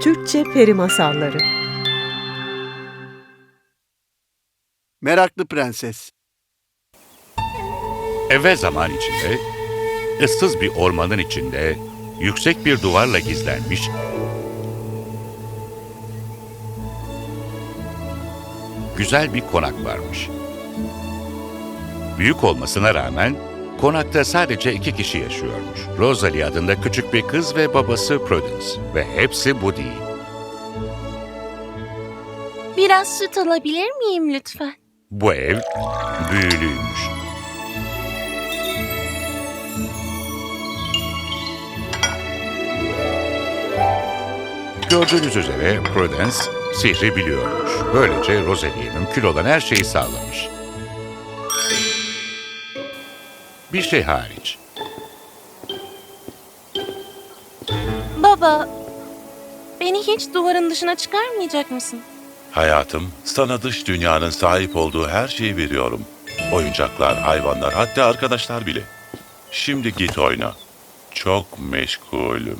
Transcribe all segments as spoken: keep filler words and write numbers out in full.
Türkçe Peri Masalları. Meraklı Prenses. Evvel zaman içinde, ıssız bir ormanın içinde, yüksek bir duvarla gizlenmiş, güzel bir konak varmış. Büyük olmasına rağmen, konakta sadece iki kişi yaşıyormuş. Rosalie adında küçük bir kız ve babası Prudence. Ve hepsi bu değil. Biraz süt alabilir miyim lütfen? Bu ev büyülüymüş. Gördüğünüz üzere Prudence sihri biliyormuş. Böylece Rosalie'ye mümkün olan her şeyi sağlamış. Bir şey hariç. Baba, beni hiç duvarın dışına çıkarmayacak mısın? Hayatım, sana dış dünyanın sahip olduğu her şeyi veriyorum. Oyuncaklar, hayvanlar, hatta arkadaşlar bile. Şimdi git oyna. Çok meşgulüm.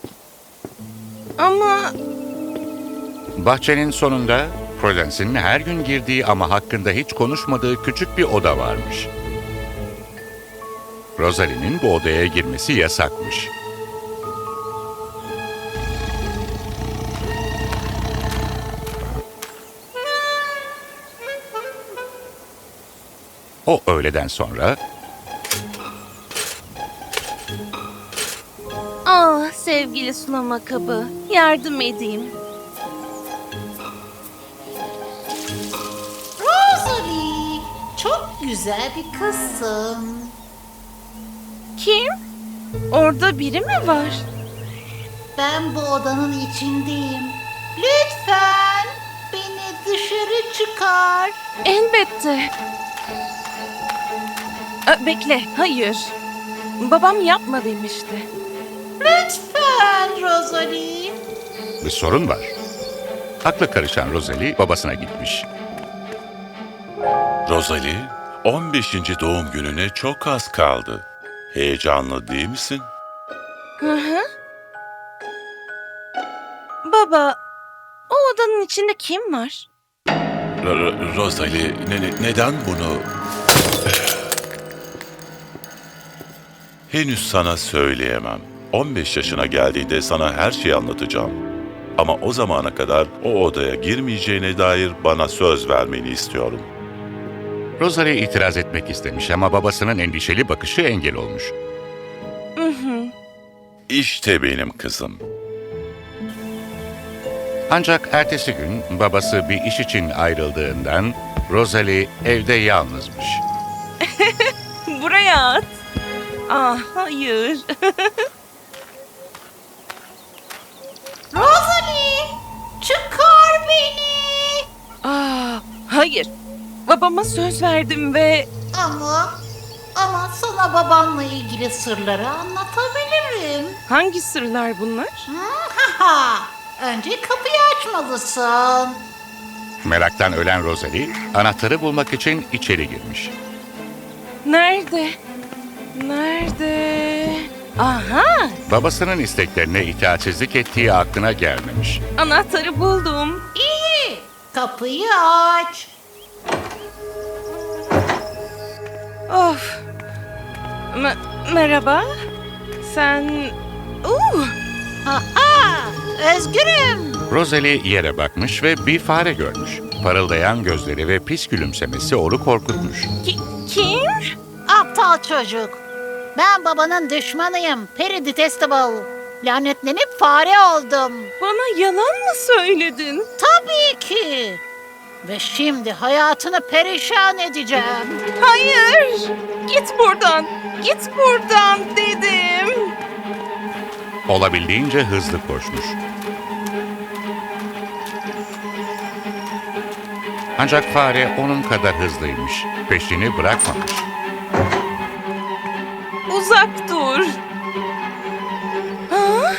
Ama Bahçenin sonunda Prudence'in her gün girdiği ama hakkında hiç konuşmadığı küçük bir oda varmış. Rosalie'nin bu odaya girmesi yasakmış. O öğleden sonra ah sevgili sulama kabı, yardım edeyim. Rosalie, çok güzel bir kızsın. Kim? Orada biri mi var? Ben bu odanın içindeyim. Lütfen beni dışarı çıkar. Elbette. Aa, bekle, hayır. Babam yapma demişti. Lütfen Rosalie. bir sorun var. Akla karışan Rosalie babasına gitmiş. Rosalie, on beşinci doğum gününe çok az kaldı. Heyecanlı değil misin? Hı hı. Baba, o odanın içinde kim var? R- R- Rosalie, ne- ne- neden bunu... Henüz sana söyleyemem. on beş yaşına geldiğinde sana her şeyi anlatacağım. Ama o zamana kadar o odaya girmeyeceğine dair bana söz vermeni istiyorum. Rosalie itiraz etmek istemiş ama babasının endişeli bakışı engel olmuş. Hı hı. İşte benim kızım. Ancak ertesi gün babası bir iş için ayrıldığından Rosalie evde yalnızmış. Buraya at. Ah, hayır. Rosalie, çıkar beni. Ah, hayır. Babama söz verdim ve... Ama, ama sana babanla ilgili sırları anlatabilirim. Hangi sırlar bunlar? Hmm, ha ha. Önce kapıyı açmalısın. Meraktan ölen Rosalie, anahtarı bulmak için içeri girmiş. Nerede? Nerede? Aha! Babasının isteklerine itaatsizlik ettiği aklına gelmemiş. Anahtarı buldum. İyi, kapıyı aç. Of! Me- merhaba? Sen... Uh! Aha, özgürüm. Rosalie yere bakmış ve bir fare görmüş. Parıldayan gözleri ve pis gülümsemesi onu korkutmuş. Ki- kim? Aptal çocuk. Ben babanın düşmanıyım. Peri Detestable. Lanetlenip fare oldum. Bana yalan mı söyledin? Tabii ki. Ve şimdi hayatını perişan edeceğim. Hayır! Git buradan! Git buradan dedim! Olabildiğince hızlı koşmuş. Ancak fare onun kadar hızlıymış. Peşini bırakmamış. Uzak dur! Ha?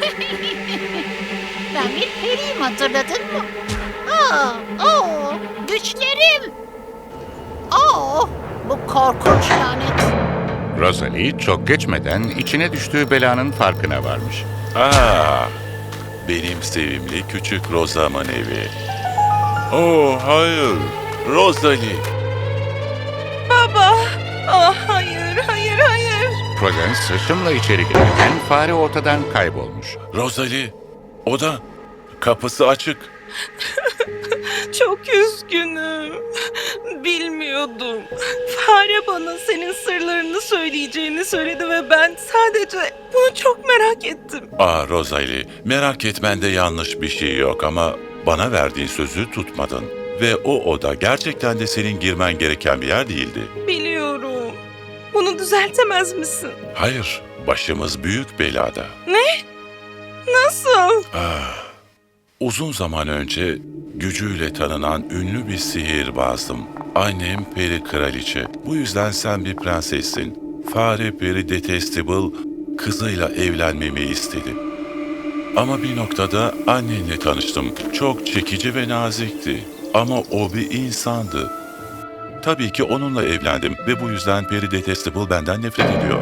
Ben bir periyim, hatırladın mı? Aa, oo, güçlerim. Oo, bu korkunç lanet. Rosalie çok geçmeden içine düştüğü belanın farkına varmış. Aa, Benim sevimli küçük Rosa'mın evi. Oh hayır, Rosalie. Baba! Ah hayır, hayır, hayır. Prudence hışımla içeri girerken fare ortadan kaybolmuş. Rosalie, oda. Kapısı açık. Çok üzgünüm. Bilmiyordum. Fare bana senin sırlarını söyleyeceğini söyledi ve ben sadece bunu çok merak ettim. Aa Rosalie, merak etmende yanlış bir şey yok ama bana verdiğin sözü tutmadın. Ve o oda gerçekten de senin girmen gereken bir yer değildi. Biliyorum. Bunu düzeltemez misin? Hayır, başımız büyük belada. Nasıl? Ah, uzun zaman önce gücüyle tanınan ünlü bir sihirbazdım. Annem peri kraliçe. Bu yüzden sen bir prensessin. Fare peri Detestable kızıyla evlenmemi istedi. Ama bir noktada annenle tanıştım. Çok çekici ve nazikti. Ama o bir insandı. Tabii ki onunla evlendim ve bu yüzden peri Detestable benden nefret ediyor.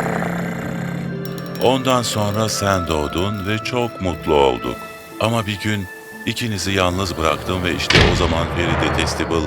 Ondan sonra sen doğdun ve çok mutlu olduk. Ama bir gün ikinizi yalnız bıraktım ve işte o zaman Peri Detestable...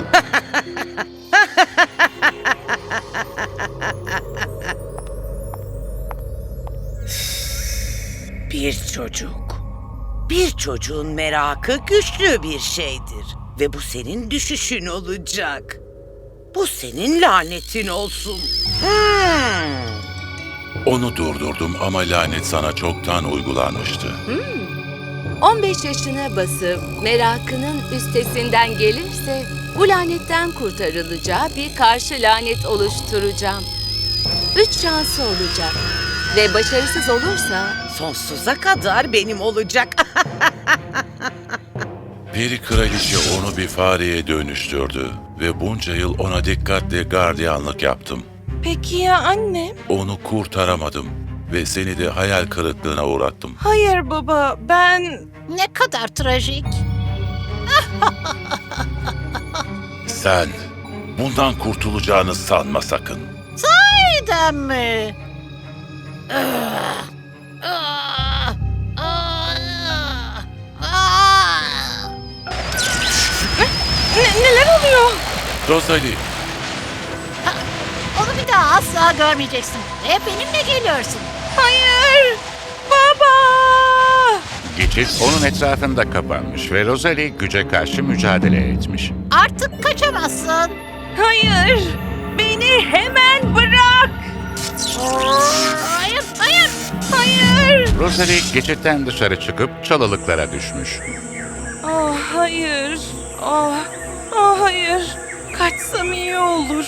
Bir çocuk. Bir çocuğun merakı güçlü bir şeydir. Ve bu senin düşüşün olacak. Bu senin lanetin olsun. Hmm. Onu durdurdum ama lanet sana çoktan uygulanmıştı. on beş yaşına basıp merakının üstesinden gelirse bu lanetten kurtarılacağı bir karşı lanet oluşturacağım. Üç şansı olacak ve başarısız olursa Sonsuza kadar benim olacak. Peri kraliçe onu bir fareye dönüştürdü ve bunca yıl ona dikkatle gardiyanlık yaptım. Peki ya annem? Onu kurtaramadım ve seni de hayal kırıklığına uğrattım. Hayır baba, ben... Ne kadar trajik. Sen bundan kurtulacağını sanma sakın. Neden mi? Ah, ah, ah, ah. Ne- neler oluyor? Rosalie, Onu bir daha asla görmeyeceksin. Ve benimle geliyorsun. Hayır! Baba! Geçit onun etrafında kapanmış ve Rosalie güce karşı mücadele etmiş. Artık kaçamazsın. Hayır! Beni hemen bırak! Hayır, hayır. Hayır! Rosalie geçitten dışarı çıkıp çalılıklara düşmüş. Ah hayır! Ah, ah hayır! Kaçsam iyi olur.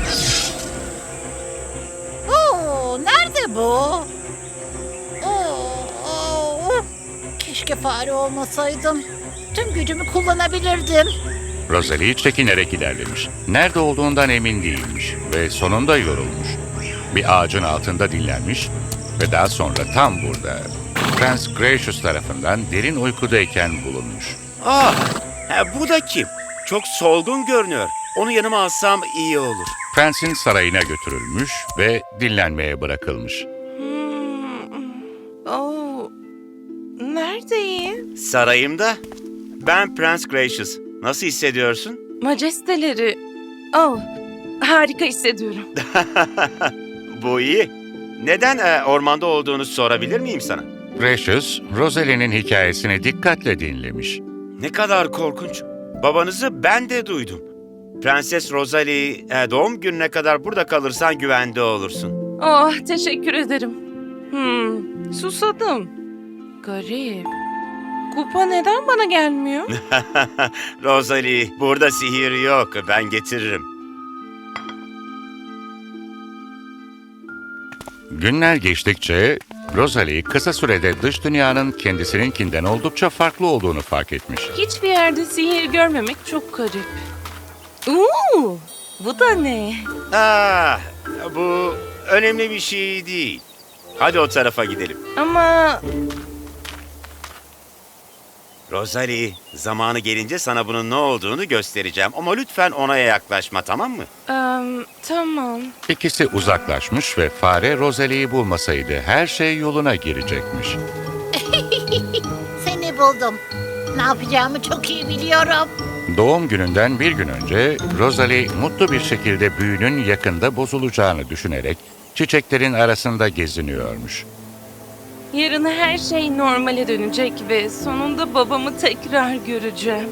Oo, nerede bu? Oo, oo. Keşke fare olmasaydım. Tüm gücümü kullanabilirdim. Rosalie çekinerek ilerlemiş. Nerede olduğundan emin değilmiş ve sonunda yorulmuş. Bir ağacın altında dinlenmiş ve daha sonra tam burada Prens Gracious tarafından derin uykudayken bulunmuş. Ah, ha, bu da kim? Çok solgun görünüyor. Onu yanıma alsam iyi olur. Prensin sarayına götürülmüş ve dinlenmeye bırakılmış. Hmm. Oh. Neredeyim? Sarayımda. Ben Prens Gracious. Nasıl hissediyorsun? Majesteleri. Oh. Harika hissediyorum. Bu iyi. Neden e, ormanda olduğunu sorabilir miyim sana? Gracious, Rosalie'nin hikayesini dikkatle dinlemiş. Ne kadar korkunç. Babanızı ben de duydum. Prenses Rosalie, e, doğum gününe kadar burada kalırsan güvende olursun. Oh, teşekkür ederim. Hmm, susadım. Garip. Kupa neden bana gelmiyor? Rosalie, burada sihir yok. Ben getiririm. Günler geçtikçe Rosalie kısa sürede dış dünyanın kendisininkinden oldukça farklı olduğunu fark etmiş. Hiçbir yerde sihir görmemek çok garip. Oo, bu da ne? Ah, bu önemli bir şey değil. Hadi o tarafa gidelim. Ama Rosalie, zamanı gelince sana bunun ne olduğunu göstereceğim. Ama lütfen ona yaklaşma, tamam mı? em, tamam. İkisi uzaklaşmış ve fare Rosalie'yi bulmasaydı her şey yoluna girecekmiş. Seni buldum. Ne yapacağımı çok iyi biliyorum. Doğum gününden bir gün önce Rosalie mutlu bir şekilde büyünün yakında bozulacağını düşünerek çiçeklerin arasında geziniyormuş. Yarın her şey normale dönecek ve sonunda babamı tekrar göreceğim.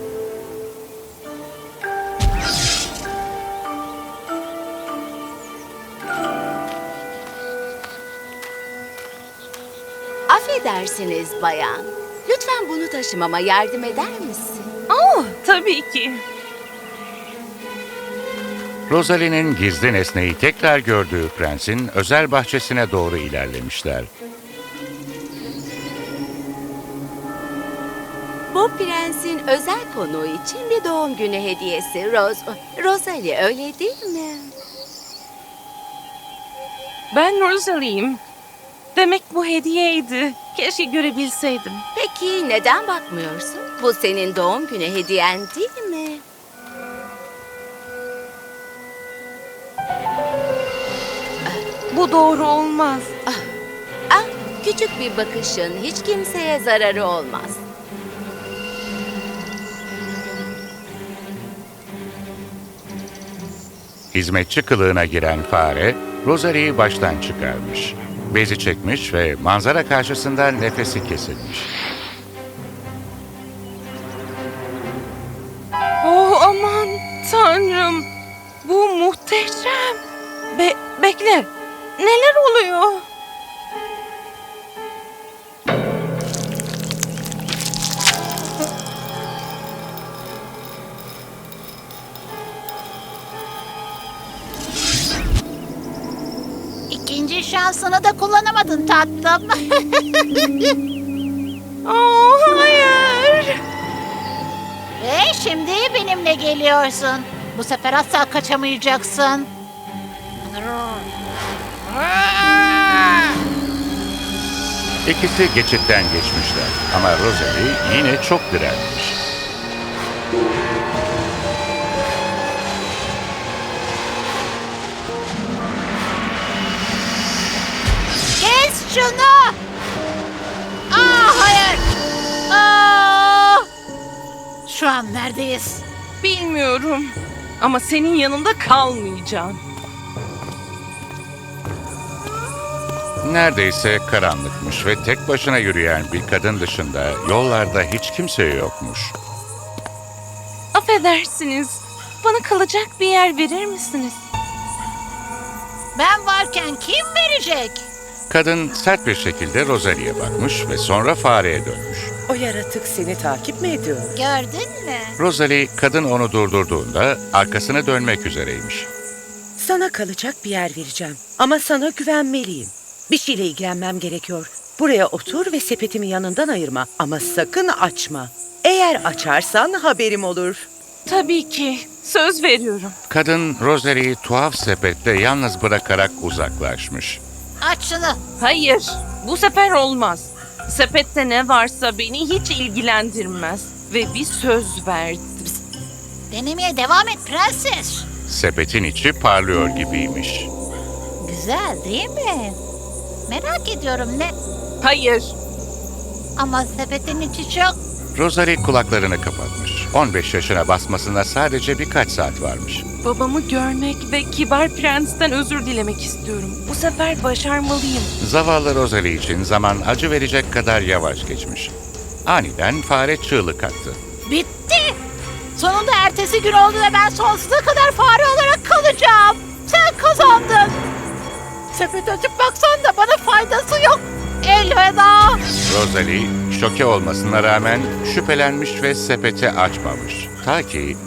Affedersiniz bayan. Lütfen bunu taşımama yardım eder misin? Oh, tabii ki. Rosalie'nin gizli nesneyi tekrar gördüğü prensin özel bahçesine doğru ilerlemişler. Bu prensin özel konuğu için bir doğum günü hediyesi. Ros Rosalie, öyle değil mi? Ben Rosalie'yim. Demek bu hediyeydi. Keşke görebilseydim. Peki neden bakmıyorsun? Bu senin doğum günü hediyen değil mi? Bu doğru olmaz. Ah, küçük bir bakışın hiç kimseye zararı olmaz. Hizmetçi kılığına giren fare, Rosalie'yi baştan çıkarmış. Bezi çekmiş ve manzara karşısında nefesi kesilmiş. Oh aman tanrım. Bu muhteşem. Be bekle. Neler oluyor? İkinci şansını da kullanamadın tatlım. Oh hayır. Ve şimdi benimle geliyorsun. Bu sefer asla kaçamayacaksın. İkisi geçitten geçmişler ama Rosalie yine çok direnmiş. Kes şunu! Aa, hayır! Aa! Şu an neredeyiz? Bilmiyorum. Ama senin yanında kalmayacağım. Neredeyse karanlıkmış ve tek başına yürüyen bir kadın dışında yollarda hiç kimse yokmuş. Affedersiniz. Bana kalacak bir yer verir misiniz? Ben varken kim verecek? Kadın sert bir şekilde Rosalie'ye bakmış ve sonra fareye dönmüş. O yaratık seni takip mi ediyor? Gördün mü? Rosalie, kadın onu durdurduğunda arkasını dönmek üzereymiş. Sana kalacak bir yer vereceğim. Ama sana güvenmeliyim. Bir şeyle ilgilenmem gerekiyor. Buraya otur ve sepetimi yanından ayırma. Ama sakın açma. Eğer açarsan haberim olur. Tabii ki. Söz veriyorum. Kadın Rosalie'yi tuhaf sepette yalnız bırakarak uzaklaşmış. Aç şunu. Hayır. Bu sefer olmaz. Sepette ne varsa beni hiç ilgilendirmez. Ve bir söz verdim. Denemeye devam et prenses. Sepetin içi parlıyor gibiymiş. Güzel değil mi? Merak ediyorum ne? Hayır. Ama sepetin içi çok... Rosalie kulaklarını kapatmış. on beş yaşına basmasına sadece birkaç saat varmış. Babamı görmek ve kibar prensten özür dilemek istiyorum. Bu sefer başarmalıyım. Zavallı Rosalie için zaman acı verecek kadar yavaş geçmiş. Aniden fare çığlık attı. Bitti. Sonunda ertesi gün oldu ve ben sonsuza kadar fare olarak kalacağım. Sen kazandın. Sepet açıp baksan da bana faydası yok. Elveda. Rosalie şoke olmasına rağmen şüphelenmiş ve sepeti açmamış. Ta ki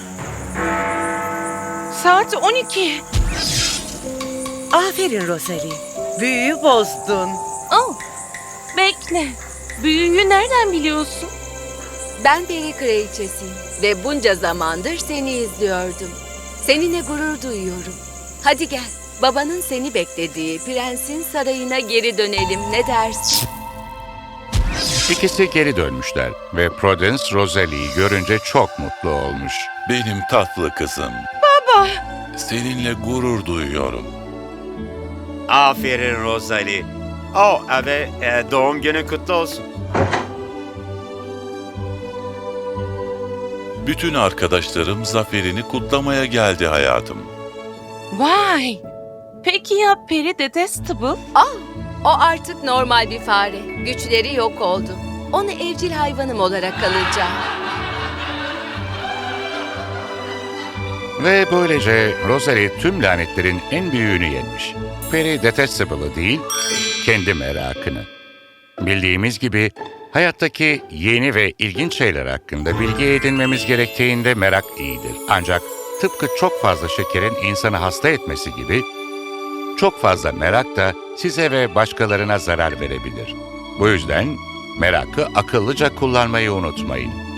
Saat on iki. Aferin Rosalie. Büyüyü bozdun. Oh, bekle. Büyüyü nereden biliyorsun? Ben peri kraliçesiyim ve bunca zamandır seni izliyordum. Seninle gurur duyuyorum. Hadi gel, babanın seni beklediği prensin sarayına geri dönelim, ne dersin? ikisi geri dönmüşler ve Prudence Rosalie'yi görünce çok mutlu olmuş. Benim tatlı kızım. Baba. Seninle gurur duyuyorum. Aferin Rosalie. Oh, ve e, doğum günün kutlu olsun. Bütün arkadaşlarım zaferini kutlamaya geldi hayatım. Vay! Peki ya Peri Detestable? Ah, o artık normal bir fare. Güçleri yok oldu. Onu evcil hayvanım olarak alacağım. Ve böylece Rosalie tüm lanetlerin en büyüğünü yenmiş. Peri Detestable'ı değil, kendi merakını. Bildiğimiz gibi hayattaki yeni ve ilginç şeyler hakkında bilgi edinmemiz gerektiğinde merak iyidir. Ancak tıpkı çok fazla şekerin insanı hasta etmesi gibi, çok fazla merak da size ve başkalarına zarar verebilir. Bu yüzden merakı akıllıca kullanmayı unutmayın.